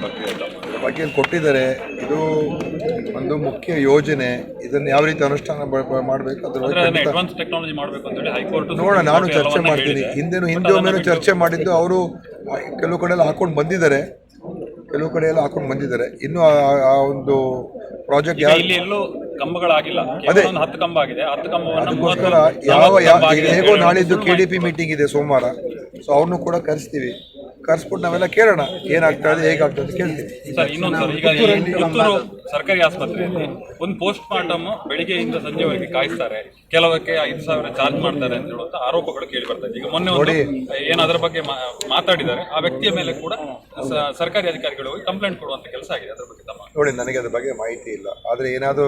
ಬಗ್ಗೆ ಕೊಟ್ಟಿದ್ದಾರೆ. ಇದು ಒಂದು ಮುಖ್ಯ ಯೋಜನೆ. ಇದನ್ನು ಯಾವ ರೀತಿ ಅನುಷ್ಠಾನ ಮಾಡಬೇಕು ಅದ್ರ ನೋಡೋಣ. ನಾನು ಚರ್ಚೆ ಮಾಡ್ತೀನಿ. ಹಿಂದೆ ಒಮ್ಮೆನೂ ಚರ್ಚೆ ಮಾಡಿದ್ದು ಅವರು ಕೆಲವು ಕಡೆ ಎಲ್ಲ ಹಾಕೊಂಡು ಬಂದಿದ್ದಾರೆ, ಕೆಲವು ಕಡೆ ಎಲ್ಲ ಹಾಕೊಂಡು ಬಂದಿದ್ದಾರೆ. ಇನ್ನು ಆ ಒಂದು ಪ್ರಾಜೆಕ್ಟ್ ಅದಕ್ಕೋಸ್ಕರ ಹೇಗೋ ನಾಳಿದ್ದು KDP ಮೀಟಿಂಗ್ ಇದೆ ಸೋಮವಾರ. ಸೊ ಅವ್ರನ್ನೂ ಕೂಡ ಕರೆಸ್ಬಿಟ್ಟು ನಾವೆಲ್ಲ ಕೇಳೋಣ ಏನಾಗ್ತಾ ಇದೆ, ಹೇಗಾಗ್ತದೆ ಅಂತ ಕೇಳ್ತೀವಿ. ಸರ್ಕಾರಿ ಆಸ್ಪತ್ರೆಯಲ್ಲಿ ಒಂದು ಪೋಸ್ಟ್ ಮಾರ್ಟಮ್ ಬೆಳಿಗ್ಗೆಯಿಂದ ಸಂಜೆವರೆಗೆ ಕಾಯಿಸ್ತಾರೆ, ಕೆಲವಕ್ಕೆ 5,000 ಚಾರ್ಜ್ ಮಾಡ್ತಾರೆ ಅಂತ ಹೇಳುವಂತ ಆರೋಪಗಳು ಕೇಳಿ ಬರ್ತಾರೆ. ಈಗ ಮೊನ್ನೆ ಏನು ಅದರ ಬಗ್ಗೆ ಮಾತಾಡಿದ್ದಾರೆ, ಆ ವ್ಯಕ್ತಿಯ ಮೇಲೆ ಕೂಡ ಸರ್ಕಾರಿ ಅಧಿಕಾರಿಗಳು ಹೋಗಿ ಕಂಪ್ಲೇಂಟ್ ಕೊಡುವಂತ ಕೆಲಸ ಆಗಿದೆ. ಅದರ ಬಗ್ಗೆ ನೋಡಿ, ನನಗೆ ಅದ್ರ ಬಗ್ಗೆ ಮಾಹಿತಿ ಇಲ್ಲ. ಆದರೆ ಏನಾದರೂ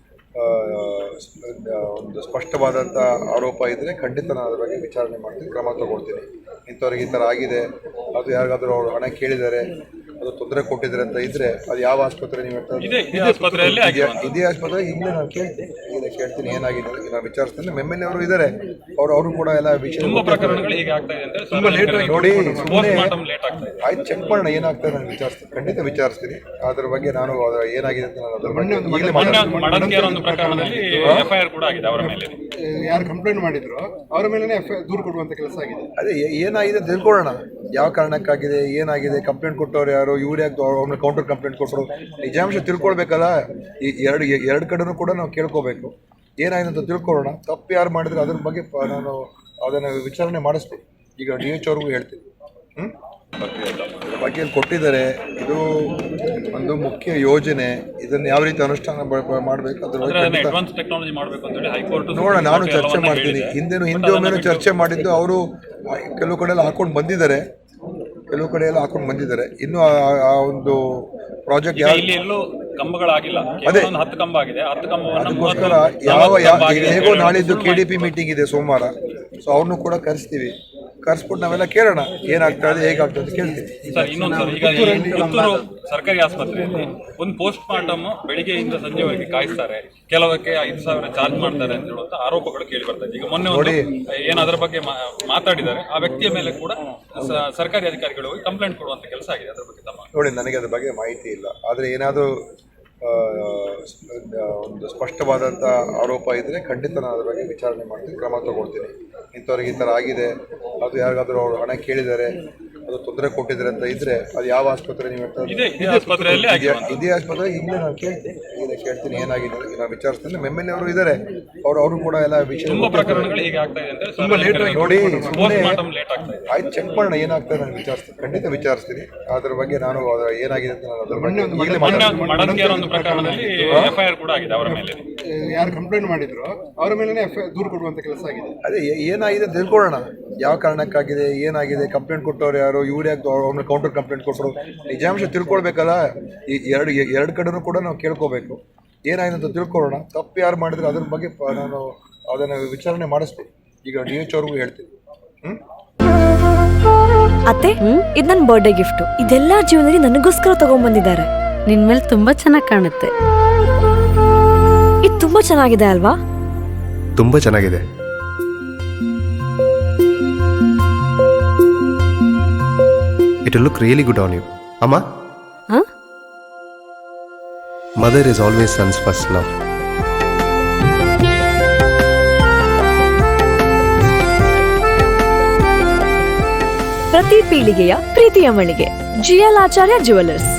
ಒಂದು ಸ್ಪಷ್ಟವಾದಂಥ ಆರೋಪ ಇದ್ದರೆ ಖಂಡಿತ ನಾನು ಅದ್ರ ಬಗ್ಗೆ ವಿಚಾರಣೆ ಮಾಡ್ತೀನಿ, ಕ್ರಮ ತಗೊಳ್ತೀನಿ. ಇಂಥವ್ರಿಗೆ ಈ ಥರ ಆಗಿದೆ, ಅದು ಯಾರಿಗಾದ್ರೂ ಅವರು ಹಣ ಕೇಳಿದ್ದಾರೆ, ಅದು ತೊಂದರೆ ಕೊಟ್ಟಿದ್ದಾರೆ ಅಂತ ಇದ್ದರೆ ಅದು ಯಾವ ಆಸ್ಪತ್ರೆ ನೀವು ಇದೇ ಆಸ್ಪತ್ರೆ ಈಗಲೇ ನಾನು ಕೇಳ್ತೀನಿ ಏನಾಗಿದೆ ನಾನು ವಿಚಾರಿಸ್ತೀನಿ. MLA ಅವರು ಇದ್ದಾರೆ, ಅವರು ಕೂಡ ಎಲ್ಲ ವಿಷಯ ತುಂಬ ಲೇಟ್ ಆಗಿ ನೋಡಿ. ಆಯ್ತು, ಚೆಕ್ ಮಾಡೋಣ ಏನಾಗ್ತದೆ, ನಾನು ವಿಚಾರಿಸ್ತೀನಿ, ಖಂಡಿತ ವಿಚಾರಿಸ್ತೀನಿ. ಅದ್ರ ಬಗ್ಗೆ ನಾನು ಏನಾಗಿದೆ ಅಂತ ನಾನು ಯಾರು ಕಂಪ್ಲೇಂಟ್ ಮಾಡಿದ್ರು ಅವರ ಮೇಲೆ ದೂರು ಕೊಡುವಂತ ಕೆಲಸ ಆಗಿದೆ. ಅದೇ ಏನಾಗಿದೆ ತಿಳ್ಕೊಳ್ಳೋಣ, ಯಾವ ಕಾರಣಕ್ಕಾಗಿದೆ, ಏನಾಗಿದೆ, ಕಂಪ್ಲೇಂಟ್ ಕೊಟ್ಟವ್ರು ಯಾರು, ಇವ್ರು ಯಾಕೆ ಅವ್ರನ್ನ ಕೌಂಟರ್ ಕಂಪ್ಲೇಂಟ್ ಕೊಟ್ಟರು, ನಿಜಾಂಶ ತಿಳ್ಕೊಳ್ಬೇಕಲ್ಲ. ಈ ಎರಡು ಕಡೆನೂ ಕೂಡ ನಾವು ಕೇಳ್ಕೋಬೇಕು, ಏನಾಗಿದೆ ಅಂತ ತಿಳ್ಕೊಳ್ಳೋಣ. ತಪ್ಪು ಯಾರು ಮಾಡಿದ್ರೆ ಅದ್ರ ಬಗ್ಗೆ ನಾನು ಅದನ್ನು ವಿಚಾರಣೆ ಮಾಡಿಸ್ತೀನಿ. ಈಗ DH ಅವ್ರಿಗೂ ಹೇಳ್ತೀನಿ. ಬಗ್ಗೆ ಕೊಟ್ಟಿದ್ದಾರೆ. ಇದು ಒಂದು ಮುಖ್ಯ ಯೋಜನೆ. ಇದನ್ನು ಯಾವ ರೀತಿ ಅನುಷ್ಠಾನ ಮಾಡಬೇಕು ಅದ್ರ ನೋಡೋಣ. ನಾನು ಚರ್ಚೆ ಮಾಡ್ತೀನಿ. ಹಿಂದೆ ಒಮ್ಮೆನೂ ಚರ್ಚೆ ಮಾಡಿದ್ದು ಅವರು ಕೆಲವು ಕಡೆ ಎಲ್ಲ ಹಾಕೊಂಡು ಬಂದಿದ್ದಾರೆ, ಕೆಲವು ಕಡೆ ಎಲ್ಲ ಹಾಕೊಂಡು ಬಂದಿದ್ದಾರೆ. ಇನ್ನು ಆ ಒಂದು ಪ್ರಾಜೆಕ್ಟ್ ಅದಕ್ಕೋಸ್ಕರ ಹೇಗೋ ನಾಳಿದ್ದು KDP ಮೀಟಿಂಗ್ ಇದೆ ಸೋಮವಾರ. ಸೊ ಅವ್ರನ್ನೂ ಕೂಡ ಕರೆಸ್ಬಿಟ್ಟು ನಾವೆಲ್ಲ ಕೇಳೋಣ ಏನಾಗ್ತಾ ಇದೆ, ಹೇಗಾಗ್ತದೆ ಅಂತ ಕೇಳ್ತೀವಿ. ಸರ್ಕಾರಿ ಆಸ್ಪತ್ರೆಯಲ್ಲಿ ಒಂದು ಪೋಸ್ಟ್ ಮಾರ್ಟಮ್ ಬೆಳಿಗ್ಗೆಯಿಂದ ಸಂಜೆವರೆಗೆ ಕಾಯಿಸ್ತಾರೆ, ಕೆಲವಕ್ಕೆ 5,000 ಚಾರ್ಜ್ ಮಾಡ್ತಾರೆ ಅಂತ ಹೇಳುವಂತ ಆರೋಪಗಳು ಕೇಳಿ ಬರ್ತಾರೆ. ಈಗ ಮೊನ್ನೆ ಏನು ಅದರ ಬಗ್ಗೆ ಮಾತಾಡಿದ್ದಾರೆ, ಆ ವ್ಯಕ್ತಿಯ ಮೇಲೆ ಕೂಡ ಸರ್ಕಾರಿ ಅಧಿಕಾರಿಗಳು ಹೋಗಿ ಕಂಪ್ಲೇಂಟ್ ಕೊಡುವಂತ ಕೆಲಸ ಆಗಿದೆ. ಅದರ ಬಗ್ಗೆ ನೋಡಿ, ನನಗೆ ಅದ್ರ ಬಗ್ಗೆ ಮಾಹಿತಿ ಇಲ್ಲ. ಆದರೆ ಏನಾದರೂ ಒಂದು ಸ್ಪಷ್ಟವಾದಂಥ ಆರೋಪ ಇದ್ದರೆ ಖಂಡಿತ ನಾನು ಅದ್ರ ಬಗ್ಗೆ ವಿಚಾರಣೆ ಮಾಡ್ತೀನಿ, ಕ್ರಮ ತಗೊಳ್ತೀನಿ. ಇಂಥವ್ರಿಗೆ ಈ ಥರ ಆಗಿದೆ, ಅದು ಯಾರಿಗಾದ್ರೂ ಅವರು ಹಣ ಕೇಳಿದ್ದಾರೆ, ಅದು ತೊಂದರೆ ಕೊಟ್ಟಿದ್ದಾರೆ ಅಂತ ಇದ್ದರೆ ಅದು ಯಾವ ಆಸ್ಪತ್ರೆ ನೀವು ಇದೇ ಆಸ್ಪತ್ರೆ ಈಗಲೇ ನಾನು ಕೇಳ್ತೀನಿ ಏನಾಗಿದೆ ನಾನು ವಿಚಾರಿಸ್ತೀನಿ. MLA ಅವರು ಇದ್ದಾರೆ, ಅವರು ಕೂಡ ಎಲ್ಲ ವಿಷಯ ತುಂಬ ಲೇಟ್ ಆಗಿ ನೋಡಿ. ಆಯ್ತು, ಚೆಕ್ ಮಾಡೋಣ ಏನಾಗ್ತದೆ, ನಾನು ವಿಚಾರಿಸ್ತೀನಿ, ಖಂಡಿತ ವಿಚಾರಿಸ್ತೀನಿ. ಅದ್ರ ಬಗ್ಗೆ ನಾನು ಏನಾಗಿದೆ ಅಂತ ನಾನು ಅದ್ರ ಯಾರು ಕಂಪ್ಲೇಂಟ್ ಮಾಡಿದ್ರು ಅವರ ಮೇಲೆ ದೂರು ಕೊಡುವಂತ ಕೆಲಸ ಆಗಿದೆ. ಅದೇ ಏನಾಗಿದೆ ತಿಳ್ಕೊಳ್ಳೋಣ, ಯಾವ ಕಾರಣಕ್ಕಾಗಿದೆ, ಏನಾಗಿದೆ, ಕಂಪ್ಲೇಂಟ್ ಕೊಟ್ಟವ್ರು ಯಾರು, ಇವ್ರು ಯಾಕೆ ಅವ್ರನ್ನ ಕೌಂಟರ್ ಕಂಪ್ಲೇಂಟ್ ಕೊಟ್ಟರು, ನಿಜಾಂಶ ತಿಳ್ಕೊಳ್ಬೇಕಲ್ಲ. ಈ ಎರಡು ಕಡೆನೂ ಕೂಡ ನಾವು ಕೇಳ್ಕೋಬೇಕು, ಏನಾಗಿದೆ ಅಂತ ತಿಳ್ಕೊಳ್ಳೋಣ. ತಪ್ಪು ಯಾರು ಮಾಡಿದ್ರೆ ಅದ್ರ ಬಗ್ಗೆ ನಾನು ಅದನ್ನು ವಿಚಾರಣೆ ಮಾಡಿಸ್ತೀನಿ. ಈಗ DH ಅವ್ರಿಗೂ ಹೇಳ್ತೀನಿ. ಅತ್ತೆ, ಇದು ನನ್ನ ಬರ್ಡೇ ಗಿಫ್ಟ್. ಇದೆಲ್ಲ ಜೀವನದಲ್ಲಿ ನನಗೋಸ್ಕರ ತಗೊಂಡ್ಬಂದಿದ್ದಾರೆ. ನಿನ್ ಮೇಲೆ ತುಂಬಾ ಚೆನ್ನಾಗಿ ಕಾಣುತ್ತೆ. ಇದು ತುಂಬಾ ಚೆನ್ನಾಗಿದೆ ಅಲ್ವಾ? ತುಂಬಾ ಚೆನ್ನಾಗಿದೆ. It will look really good on you. Amma? Huh? Mother is always son's first love. ಪ್ರತಿ ಪೀಳಿಗೆಯ ಪ್ರೀತಿಯ ಮಳಿಗೆ GL ಆಚಾರ್ಯ ಜುವೆಲ್ಲರ್ಸ್.